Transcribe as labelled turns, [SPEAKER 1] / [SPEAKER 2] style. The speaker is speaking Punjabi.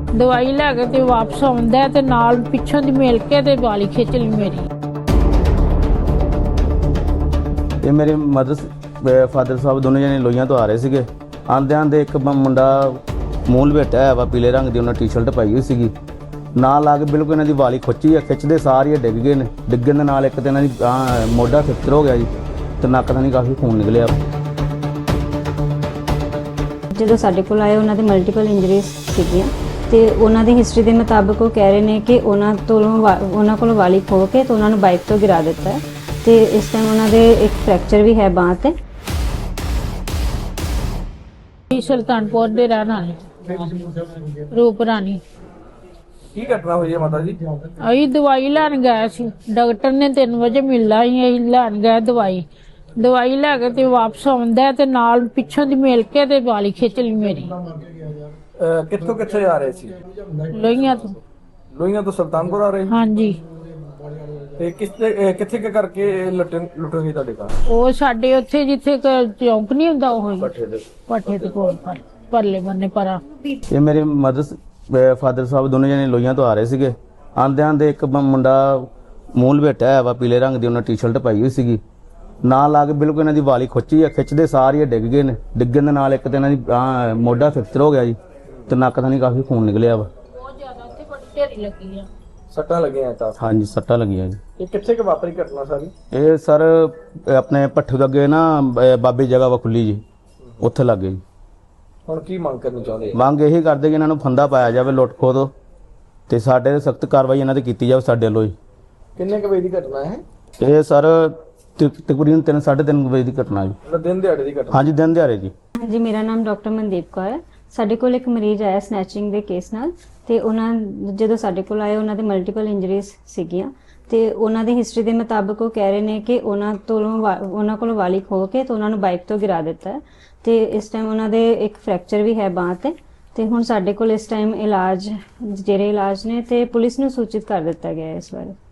[SPEAKER 1] ਦਵਾਈ ਲੈ ਕੇ ਤੇ ਵਾਪਸ ਆਉਂਦਾ ਤੇ ਨਾਲ ਪਿੱਛੋਂ ਦੀ ਮਿਲ ਕੇ ਤੇ ਵਾਲੀ ਖਿੱਚ ਲਈ ਮੇਰੀ।
[SPEAKER 2] ਇਹ ਮੇਰੇ ਮਦਰ ਫਾਦਰ ਸਾਹਿਬ ਦੋਨੇ ਜਣੇ ਲੋਹੀਆਂ ਤੋਂ ਆ ਰਹੇ ਸੀਗੇ। ਆਂਦੇ ਇੱਕ ਮੁੰਡਾ ਮੂੰਹ ਲਪੇਟਿਆ ਹੋਇਆ ਵਾ ਪੀਲੇ ਰੰਗ ਦੀ, ਉਹਨਾਂ ਟੀ-ਸ਼ਰਟ ਪਾਈ ਹੋਈ ਸੀਗੀ। ਨਾਲ ਲਾ ਕੇ ਬਿਲਕੁਲ ਇਹਨਾਂ ਦੀ ਵਾਲੀ ਖੁੱਚੀ ਆ, ਖਿੱਚਦੇ ਸਾਰ ਹੀ ਡਿੱਗ ਗਏ ਨੇ। ਡਿੱਗਣ ਦੇ ਨਾਲ ਇੱਕ ਤੇ ਇਹਨਾਂ ਦੀ ਮੋਢਾ ਫ੍ਰੈਕਚਰ ਹੋ ਗਿਆ ਜੀ ਤੇ ਨੱਕ ਤੋਂ ਕਾਫੀ ਖੂਨ ਨਿਕਲਿਆ।
[SPEAKER 3] ਜਦੋਂ ਸਾਡੇ ਕੋਲ ਆਏ ਉਹਨਾਂ ਦੇ ਮਲਟੀਪਲ ਇੰਜਰੀਜ਼ ਸੀਗੀਆਂ ਤੇ ਉਹਨਾਂ ਦੀ ਹਿਸਟਰੀ ਦੇ ਮੁਤਾਬਕ ਉਹ ਕਹਿ ਰਹੇ ਨੇ ਕਿ ਉਹਨਾਂ ਕੋਲ ਵਾਲੀ ਖੋ ਕੇ ਤੇ ਉਹਨਾਂ ਨੂੰ ਬਾਈਕ ਤੋਂ ਗਿਰਾ ਦਿੱਤਾ ਹੈ ਤੇ ਇਸ ਟਾਈਮ ਉਹਨਾਂ ਦੇ ਇੱਕ ਫ੍ਰੈਕਚਰ ਵੀ ਹੈ ਬਾਂਹ ਤੇ।
[SPEAKER 1] ਸੁਲਤਾਨਪੁਰ ਦੇ ਰਹਿਣ ਵਾਲੇ ਰੂਪ ਰਾਣੀ।
[SPEAKER 4] ਕੀ ਘਟਨਾ ਹੋਈ ਹੈ ਮਾਤਾ ਜੀ?
[SPEAKER 1] ਅਸੀਂ ਦਵਾਈ ਲੈਣ ਗਏ ਸੀ, ਡਾਕਟਰ ਨੇ 3 ਵਜੇ ਮਿਲਣਾ ਸੀ। ਅਸੀਂ ਲੈਣ ਗਏ ਦਵਾਈ ਲੈ ਕੇ ਤੇ ਵਾਪਸ ਆਉਂਦਾ ਤੇ ਨਾਲ ਪਿੱਛੋਂ ਦੀ ਮਿਲ ਕੇ ਤੇ ਵਾਲੀ ਖਿੱਚ ਲਈ ਮੇਰੀ।
[SPEAKER 4] ਕਿੱਥੋਂ ਕਿੱਥੇ ਆ ਰਹੇ ਸੀ?
[SPEAKER 1] ਲੋਹੀਆਂ ਤੋਂ।
[SPEAKER 4] ਲੋਹੀਆਂ ਤੋਂ ਸੁਲਤਾਨਪੁਰ ਆ ਰਹੇ ਸੀ?
[SPEAKER 1] ਹਾਂਜੀ।
[SPEAKER 4] ਤੇ ਕਿੱਥੇ ਕਰਕੇ ਲੁੱਟੋਗੇ ਤੁਹਾਡੇ ਘਰ?
[SPEAKER 1] ਉਹ ਸਾਡੇ ਉੱਥੇ ਜਿੱਥੇ ਚੌਂਕ ਨਹੀਂ ਹੁੰਦਾ ਉਹ
[SPEAKER 4] ਪੱਠੇ ਦੇ
[SPEAKER 1] ਕੋਲ ਪਰਲੇ ਬੰਨੇ ਪਰਾਂ।
[SPEAKER 2] ਇਹ ਮੇਰੇ ਮਦਰ ਫਾਦਰ ਸਾਹਿਬ ਦੋਨੇ ਜਣੇ ਲੋਹੀਆਂ ਤੋਂ ਆ ਰਹੇ ਸੀਗੇ। ਆਂਦੇ ਇੱਕ ਮੁੰਡਾ ਮੂੰਹ ਲਪੇਟਿਆ ਹੋਇਆ ਵਾ ਪੀਲੇ ਰੰਗ ਦੀ, ਉਹਨਾਂ ਟੀ-ਸ਼ਰਟ ਪਾਈ ਹੋਈ ਸੀਗੀ। ਨਾਲ ਲਾ ਕੇ ਬਿਲਕੁਲ ਇਹਨਾਂ ਦੀ ਵਾਲੀ ਖੁੱਚੀ ਆ, ਖਿੱਚਦੇ ਸਾਰ ਹੀ ਡਿੱਗ ਗਏ ਨੇ। ਡਿੱਗਣ ਦੇ ਨਾਲ ਇੱਕ ਤੇ ਇਹਨਾਂ ਦੀ ਮੋਢਾ ਫ੍ਰੈਕਚਰ ਹੋ ਗਿਆ ਜੀ ਤੇ ਨੱਕ ਤੋਂ ਕਾਫੀ ਖੂਨ ਨਿਕਲਿਆ ਵਾ।
[SPEAKER 1] ਬਹੁਤ ਜ਼ਿਆਦਾ ਉੱਥੇ ਬੜੀ ਢੇਰੀ ਲੱਗੀ ਆ।
[SPEAKER 4] ਸੱਟਾਂ ਲੱਗੀਆਂ ਤਾਂ?
[SPEAKER 2] ਹਾਂਜੀ, ਸੱਟਾਂ ਲੱਗੀਆਂ ਜੀ।
[SPEAKER 4] ਇਹ ਕਿੱਥੇ ਕਿ ਵਾਪਰੀ ਘਟਨਾ ਸਾਰੀ?
[SPEAKER 2] ਇਹ ਸਰ ਆਪਣੇ ਭੱਠੂ ਦੇ ਅੱਗੇ ਨਾ ਬਾਬੇ ਜਗ੍ਹਾ ਵਾ ਖੁੱਲੀ ਜੀ, ਉੱਥੇ ਲੱਗੇ ਜੀ।
[SPEAKER 4] ਹੁਣ ਕੀ ਮੰਗ ਕਰਨੀ ਚਾਹੁੰਦੇ?
[SPEAKER 2] ਮੰਗ ਇਹੀ ਕਰਦੇ ਕਿ ਇਹਨਾਂ ਨੂੰ ਫੰਦਾ ਪਾਇਆ ਜਾਵੇ ਲੁੱਟ ਖੋਹ ਤੋਂ ਤੇ ਸਾਡੇ ਤੇ ਸਖਤ ਕਾਰਵਾਈ ਇਹਨਾਂ ਤੇ ਕੀਤੀ ਜਾਵੇ ਸਾਡੇ ਵੱਲੋਂ ਜੀ।
[SPEAKER 4] ਕਿੰਨੇ ਕੁ ਵਜੇ ਦੀ ਘਟਨਾ ਹੈ
[SPEAKER 2] ਇਹ ਸਰ ਤਕਰੀਬਨ 3-3:30 ਵਜੇ ਦੀ ਘਟਨਾ ਜੀ।
[SPEAKER 4] ਦਿਨ ਦਿਹਾੜੇ ਦੀ ਘਟਨਾ?
[SPEAKER 2] ਹਾਂਜੀ, ਦਿਨ ਦਿਹਾੜੇ ਜੀ।
[SPEAKER 3] ਜੀ, ਮੇਰਾ ਨਾਮ ਡਾਕਟਰ ਮਨਦੀਪ ਕੌਰ ਹੈ। ਸਾਡੇ ਕੋਲ ਇੱਕ ਮਰੀਜ਼ ਆਇਆ ਸਨੈਚਿੰਗ ਦੇ ਕੇਸ ਨਾਲ ਤੇ ਜਦੋਂ ਸਾਡੇ ਕੋਲ ਆਏ ਉਹਨਾਂ ਦੇ ਮਲਟੀਪਲ ਇੰਜਰੀਜ਼ ਸੀਗੀਆਂ ਤੇ ਉਹਨਾਂ ਦੀ ਹਿਸਟਰੀ ਦੇ ਮੁਤਾਬਕ ਉਹ ਕਹਿ ਰਹੇ ਨੇ ਕਿ ਉਹਨਾਂ ਕੋਲ ਵਾਲੀ ਖੋ ਕੇ ਤੇ ਉਹਨਾਂ ਨੂੰ ਬਾਈਕ ਤੋਂ ਗਿਰਾ ਦਿੱਤਾ ਹੈ ਤੇ ਇਸ ਟਾਈਮ ਉਹਨਾਂ ਦੇ ਇੱਕ ਫ੍ਰੈਕਚਰ ਵੀ ਹੈ ਬਾਂਹ ਤੇ ਹੁਣ ਸਾਡੇ ਕੋਲ ਇਸ ਟਾਈਮ ਇਲਾਜ ਨੇ ਤੇ ਪੁਲਿਸ ਨੂੰ ਸੂਚਿਤ ਕਰ ਦਿੱਤਾ ਗਿਆ ਹੈ ਇਸ ਬਾਰੇ।